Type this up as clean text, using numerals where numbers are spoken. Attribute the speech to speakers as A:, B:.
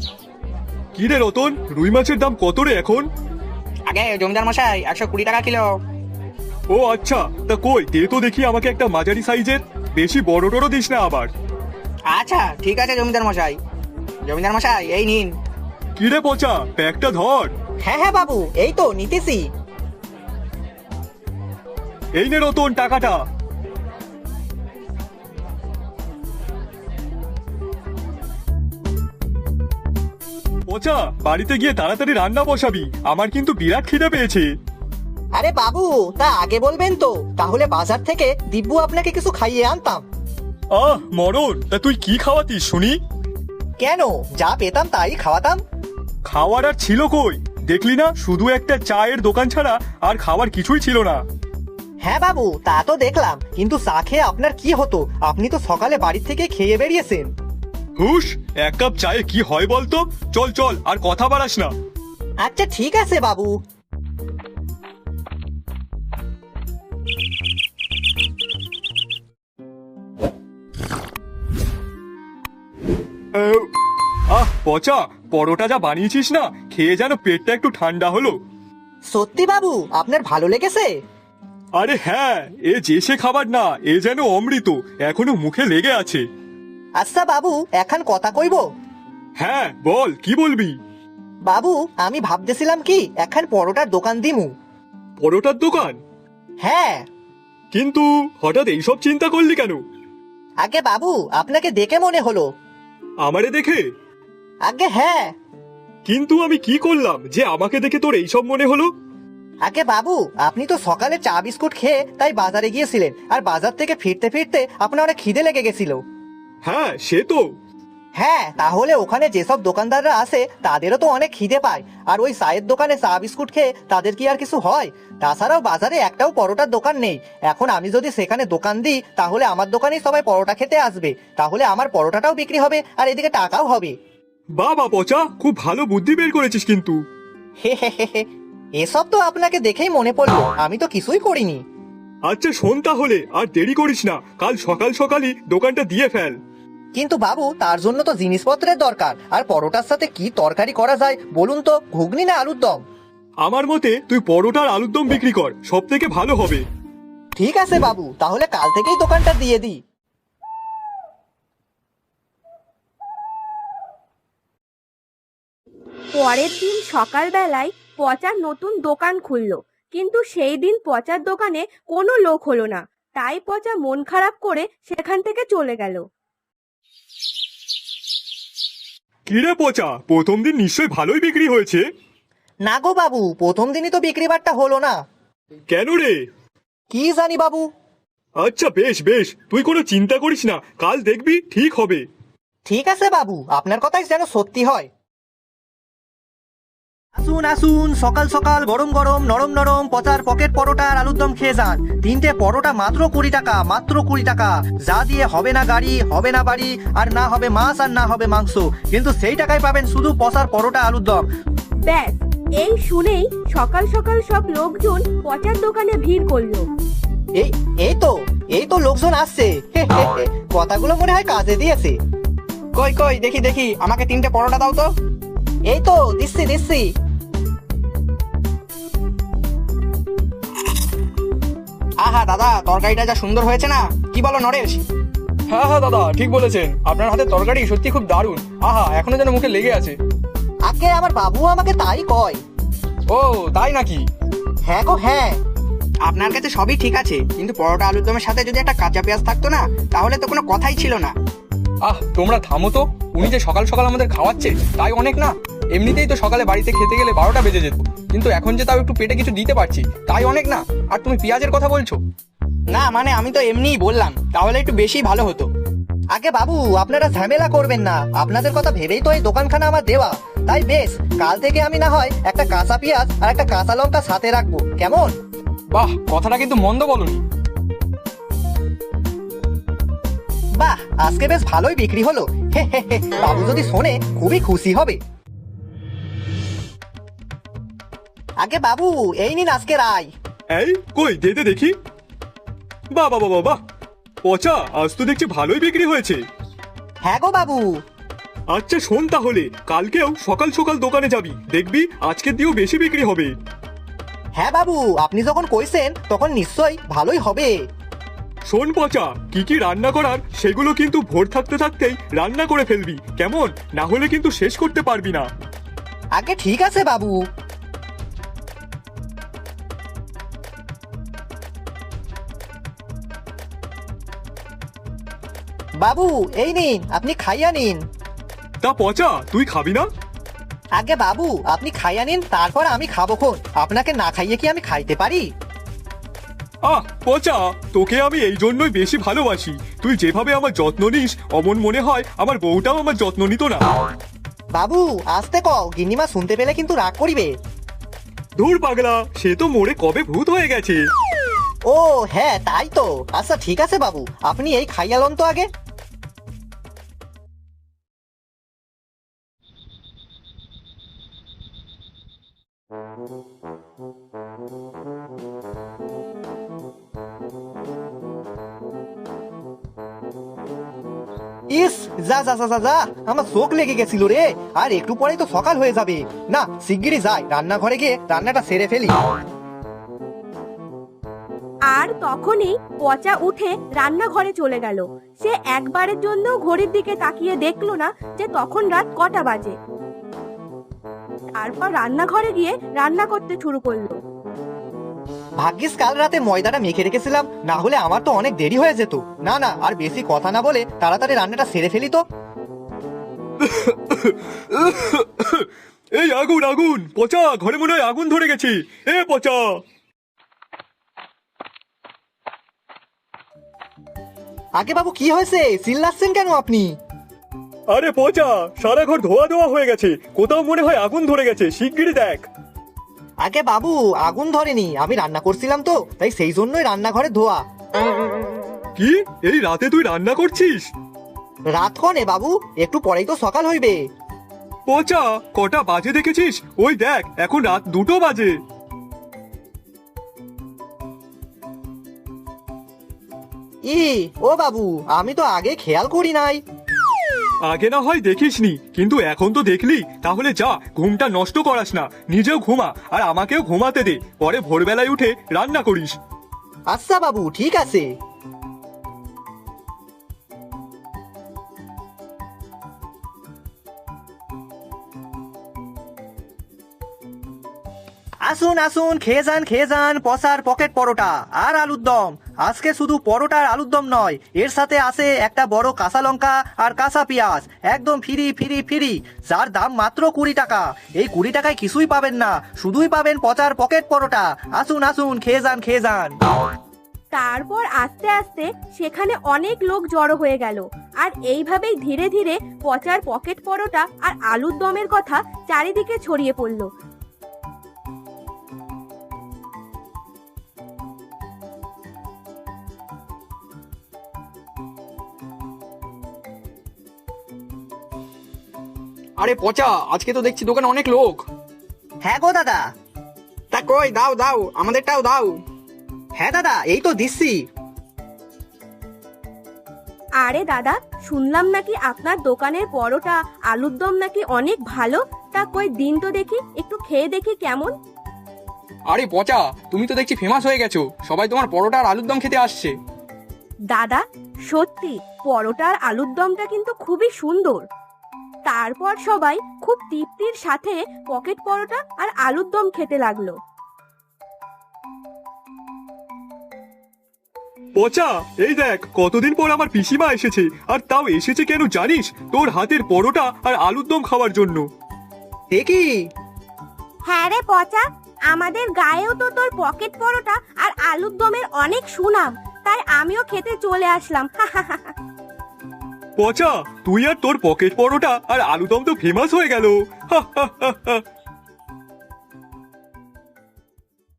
A: কি রে রতন, রুই মাছের দাম কত রে এখন?
B: আগে জমিদার মশাই 120 টাকা কিলো।
A: ও আচ্ছা, তা কই দে তো দেখি আমাকে একটা মাঝারি সাইজের, বেশি বড় টড়ো দিস না আবার।
B: আচ্ছা ঠিক আছে জমিদার মশাই। জমিদার মশাই এই নিন।
A: কি রে পচা, প্যাকটা ধর।
B: হ্যাঁ হ্যাঁ বাবু, এই তো নিতেছি।
A: এই নে রতন টাকাটা। পচা, বাড়িতে গিয়ে তাড়াতাড়ি রান্না বসাবি, আমার কিন্তু বিরাট খিদে পেয়েছে।
B: আরে বাবু, তা আগে বলবেন তো, তাহলে বাজার থেকে দিব্যু আপনাকে কিছু খাইয়ে আনতাম।
A: মরণ, তা তুই কি খাওয়াতিস শুনি?
B: কেন, যা পেতাম তাই খাওয়াতাম।
A: খাওয়ার আর ছিল কই? দেখলি না, শুধু একটা চায়ের দোকান ছাড়া আর খাবার কিছুই ছিল না।
B: হ্যাঁ বাবু, তা তো দেখলাম, কিন্তু চা খেয়ে আপনার কি হতো? আপনি তো সকালে বাড়ি থেকে খেয়ে বেরিয়েছেন।
A: হুশ, এক কাপ চায়ে কি হয় বলতো? চল চল, আর কথা বাড়াস না।
B: আচ্ছা ঠিক আছে বাবু।
A: পচা, পরোটা যা বানিয়েছিস না, খেয়ে যেন পেটটা একটু ঠান্ডা হলো।
B: সত্যি বাবু, আপনার ভালো লেগেছে?
A: আরে হ্যাঁ, এ যে সে খাবার না, এ যেন অমৃত, এখনো মুখে লেগে আছে।
B: আচ্ছা বাবু, এখন কথা কইব।
A: হ্যাঁ বল, কি বলবি?
B: বাবু, আমি ভাবতেছিলাম কি এখন পরোটার দোকান দিমু।
A: পরোটার দোকান?
B: হ্যাঁ।
A: কিন্তু হঠাৎ এইসব চিন্তা করলি কেন?
B: আগে বাবু, আপনাকে দেখে মনে হলো।
A: আমারে দেখে?
B: আগে হ্যাঁ।
A: কিন্তু আমি কি করলাম যে আমাকে দেখে তোর এইসব মনে হলো?
B: আগে বাবু, আপনি তো সকালে চা বিস্কুট খেয়ে তাই বাজারে গিয়েছিলেন, আর বাজার থেকে ফিরতে ফিরতে আপনার অনেক খিদে লেগে গেছিল।
A: হ্যাঁ সে তো।
B: হ্যাঁ, তাহলে ওখানে যেসব দোকানদাররা আসে তাদেরও তো অনেক খিদে পায়, আর ওই চায়ের দোকানে চা বিস্কুট খেয়ে তাদের কি আর কিছু হয়? তাছাড়াও বাজারে একটাও পরোটার দোকান নেই। এখন আমি যদি সেখানে দোকান দিই, তাহলে আমার দোকানেই সবাই পরোটা খেতে আসবে, তাহলে আমার পরোটাটাও বিক্রি হবে আর এদিকে টাকাও হবে।
A: বাবা পচা, খুব ভালো বুদ্ধি বের করেছিস কিন্তু।
B: হে হে হে হে, এসব তো আপনাকে দেখেই মনে পড়লো, আমি তো কিছুই করিনি।
A: আচ্ছা শোন তাহলে, আর দেরি করিস না, কাল সকাল সকালই দোকানটা দিয়ে ফেল।
B: কিন্তু বাবু, তার জন্য তো জিনিসপত্রের দরকার, আর পরোটার সাথে কি তরকারি করা যায় বলুন তো, ঘুগনি না আলুর দম?
A: আমার মতে তুই পরোটার আলুর দম বিক্রি কর, সব থেকে ভালো হবে।
B: ঠিক আছে বাবু, তাহলে কাল থেকেই দোকানটা দিয়ে দিই।
C: পরের দিন সকালবেলায় পচার নতুন দোকান খুললো, কিন্তু সেই দিন পচার দোকানে কোনো লোক হলো না। তাই পচা মন খারাপ করে সেখান থেকে চলে গেল।
A: কিরে পচা, প্রথম দিন নিশ্চয়ই ভালোই বিক্রি হয়েছে?
B: না গো বাবু, প্রথম দিনই তো বিক্রি বাট্টা হলো না।
A: কেন রে?
B: কি জানি বাবু।
A: আচ্ছা বেশ বেশ, তুই কোনো চিন্তা করিস না, কাল দেখবি ঠিক হবে।
B: ঠিক আছে বাবু, আপনার কথাই যেন সত্যি হয়। আসুন আসুন, সকাল সকাল গরম গরম নরম নরম পচার পকেট পরোটা আর আলুর দম খেয়ে যান। 3টে পরোটা মাত্র 20 টাকা, মাত্র 20 টাকা। যা দিয়ে হবে না গাড়ি, হবে না বাড়ি, আর না হবে মাছ আর না হবে মাংস, কিন্তু সেই টাকায় পাবেন শুধু পচার পরোটা আলুর দম।
C: ব্যাস, এই শুনেই সকাল সকাল সব লোকজন পচার দোকানে ভিড় করলো।
B: এই এই তো লোকজন আসছে। কথাগুলো মনে হয় কাজে দিয়েছে।
D: কই কই দেখি দেখি, আমাকে 3টে পরোটা দাও তো।
B: এই তো দিচ্ছি দিচ্ছি।
D: আহা দাদা, তরকারিটা যা সুন্দর হয়েছে না, কি বলো নরেশ?
E: হ্যাঁ হ্যাঁ দাদা, ঠিক বলেছেন, আপনার হাতে তরকারি সত্যি খুব দারুণ। আহা, এখনো যেন মুখে লেগে আছে।
B: আগে আমার বাবু আমাকে তাই কয়।
E: ও তাই নাকি?
B: হ্যাঁ গো হ্যাঁ।
D: আপনার কাছে সবই ঠিক আছে, কিন্তু পরোটা আলুর দমের সাথে যদি একটা কাঁচা পেঁয়াজ থাকতো না, তাহলে তো কোনো কথাই ছিল না।
E: তোমরা থামো তো, উনি যে সকাল সকাল আমাদের খাওয়াচ্ছে তাই অনেক না? এমনিতেই তো সকালে বাড়িতে খেতে গেলে 12টা বেজে যেত, কিন্তু এখন যে তাও একটু পেটে কিছু দিতে পারছি তাই অনেক না? আর তুমি পেঁয়াজের কথা বলছো?
D: না মানে আমি তো এমনিই বললাম, তাহলে একটু বেশি ভালো হতো।
B: আগে বাবু, আপনারা ঝামেলা করবেন না, আপনাদের কথা ভেবেই তো এই দোকানখানা আমার দেওয়া। তাই বেশ, কাল থেকে আমি না হয় একটা কাঁচা পেঁয়াজ আর একটা কাঁচা লঙ্কা সাথে রাখবো, কেমন?
E: বাহ, কথাটা কিন্তু মন্দ বলনি।
B: বাহ, আজকে বেশ ভালোই বিক্রি হলো। হে হে হে, বাবু যদি শোনে খুবই খুশি হবে। আগে বাবু, এই নিন আজকের আয়।
A: এই কই দে দে দেখি। বাহ বাহ বাহ বাহ, পচা আজ তো দেখছি ভালোই বিক্রি হয়েছে।
B: হ্যাঁ গো বাবু।
A: আচ্ছা শোন, তাহলে কালকেও সকাল সকাল দোকানে যাবি, দেখবি আজকের দিয়েও বেশি বিক্রি হবে।
B: হ্যাঁ বাবু, আপনি যখন কইছেন তখন নিশ্চয়ই ভালোই হবে।
A: শোন পচা, কি কি রান্না করার সেগুলো কিন্তু ভোর থাকতে থাকতেই রান্না করে ফেলবি, কেমন? না হলে কিন্তু শেষ করতে পারবি না।
B: আগে ঠিক আছে বাবু। বাবু এই নিন, আপনি খাইয়া নিন।
A: তা পচা, তুই খাবি না?
B: আগে বাবু আপনি খাইয়া নিন, তারপর আমি খাবো খন। আপনাকে না খাইয়ে কি আমি খাইতে পারি?
A: পচা, তোকে আমি এই জন্যই বেশি ভালোবাসি। তুই যেভাবে আমার যত্ন নিস, অমন মনে হয় আমার বউটাও আমার যত্ন নিত না।
B: বাবু আসতে কও, গিন্নিমা শুনতে পেলে কিন্তু রাগ করিবে।
A: ধুর পাগলা, সে তো মোড়ে কবে ভূত হয়ে গেছে।
B: ও হ্যাঁ তাই তো। আচ্ছা ঠিক আছে বাবু, আপনি এই খাইয়া লন তো আগে। ইস, যা যা যা যা যা, আমার চোখ লেগে গেছিল রে। আর একটু পরেই তো সকাল হয়ে যাবে। না, শিগগিরই যাই, রান্নাঘরে গিয়ে রান্নাটা সেরে ফেলি।
C: আর তখনই পচা উঠে রান্নাঘরে চলে গেল। সে একবারের জন্য ঘড়ির দিকে তাকিয়ে দেখলো না যে তখন রাত কটা বাজে। তারপর রান্নাঘরে গিয়ে রান্না করতে শুরু করলো।
B: ভাগ্যিস কাল রাতে ময়দাটা মেখে রেখেছিলাম, না হলে আমার তো অনেক দেরি হয়ে যেত। না না, আর বেশি কথা না বলে তাড়াতাড়ি রান্নাটা সেরে ফেলি তো।
A: এই আগুন আগুন, পচা ঘরে মনে হয় আগুন ধরে গেছে। এ পচা!
B: আগে বাবু কি হয়েছে, চিল্লাচ্ছেন কেন আপনি?
A: আরে পচা, সারা ঘর ধোয়া ধোয়া হয়ে গেছে, কোথাও মনে হয় আগুন ধরে গেছে, শিগগিরই দেখ।
B: আগে বাবু আগুন ধরেনি, আমি রান্না করছিলাম তো, তাই সেই জন্যই রান্নাঘরে ধোয়া।
A: কি, এই রাতে তুই রান্না করছিস?
B: রাত কনে বাবু, একটু পরেই তো সকাল হইবে।
A: পচা, কটা বাজে দেখেছিস? ওই দেখ, এখন রাত 2টো বাজে।
B: ও বাবু, আমি তো আগে খেয়াল করি নাই।
A: আগে না হয় দেখিসনি, কিন্তু এখন তো দেখলি। তাহলে যা, ঘুমটা নষ্ট করাস না, নিজেও ঘুমা আর আমাকেও ঘুমাতে দে, পরে ভোরবেলায় উঠে রান্না করিস।
B: আচ্ছা বাবু ঠিক আছে। আসুন আসুন, খেয়ে যান খেয়ে যান, পসার পকেট পরোটা আর আলুর দম। আজকে শুধু পরোটা আর আলুর দম নয়, এর সাথে আছে একটা বড় কাঁচা লঙ্কা আর কাঁচা পেঁয়াজ, একদম ফ্রি ফ্রি ফ্রি, যার দাম মাত্র 20 টাকা। এই 20 টাকায় কিছুই পাবেন না, শুধুই পাবেন পচার পকেট পরোটা। আসুন আসুন, খেয়ে যান খেয়ে যান।
C: তারপর আস্তে আস্তে সেখানে অনেক লোক জড়ো হয়ে গেল। আর এইভাবেই ধীরে ধীরে পচার পকেট পরোটা আর আলুর দমের কথা চারিদিকে ছড়িয়ে পড়ল।
E: আরে পচা, আজকে তো দেখছি দোকানে অনেক লোক।
B: হ্যাঁ গো দাদা।
D: তা কই, দাও দাও, আমাদেরটাও দাও।
B: হ্যাঁ দাদা, এই তো দিচ্ছি।
C: আরে দাদা, শুনলাম নাকি আপনার দোকানের পরোটা আলুর দম নাকি অনেক ভালো। তা কই দিন তো দেখি, একটু খেয়ে দেখি কেমন।
E: আরে পচা, তুমি তো দেখছি ফেমাস হয়ে গেছো, সবাই তোমার পরোটা আর আলুর দম খেতে আসছে।
C: দাদা সত্যি পরোটা আর আলুর দমটা কিন্তু খুবই সুন্দর। তারপর সবাই খুব তৃপ্তির সাথে পকেট পরোটা আর আলুর দম খেতে লাগলো।
A: পচা, এই দেখ, কতদিন পর আমার পিসিমা এসেছে, আর তাও এসেছে কেন জানিস? তোর হাতের পরোটা আর আলুর দম খাওয়ার জন্য।
B: দেখি।
C: হ্যাঁ রে পচা, আমাদের গায়েও তো তোর পকেট পরোটা আর আলুর দমের অনেক সুনাম, তাই আমিও খেতে চলে আসলাম।
A: পচা, তুই আর তোর পকেট পরোটা আর আলুদম তো ফেমাস হয়ে গেল।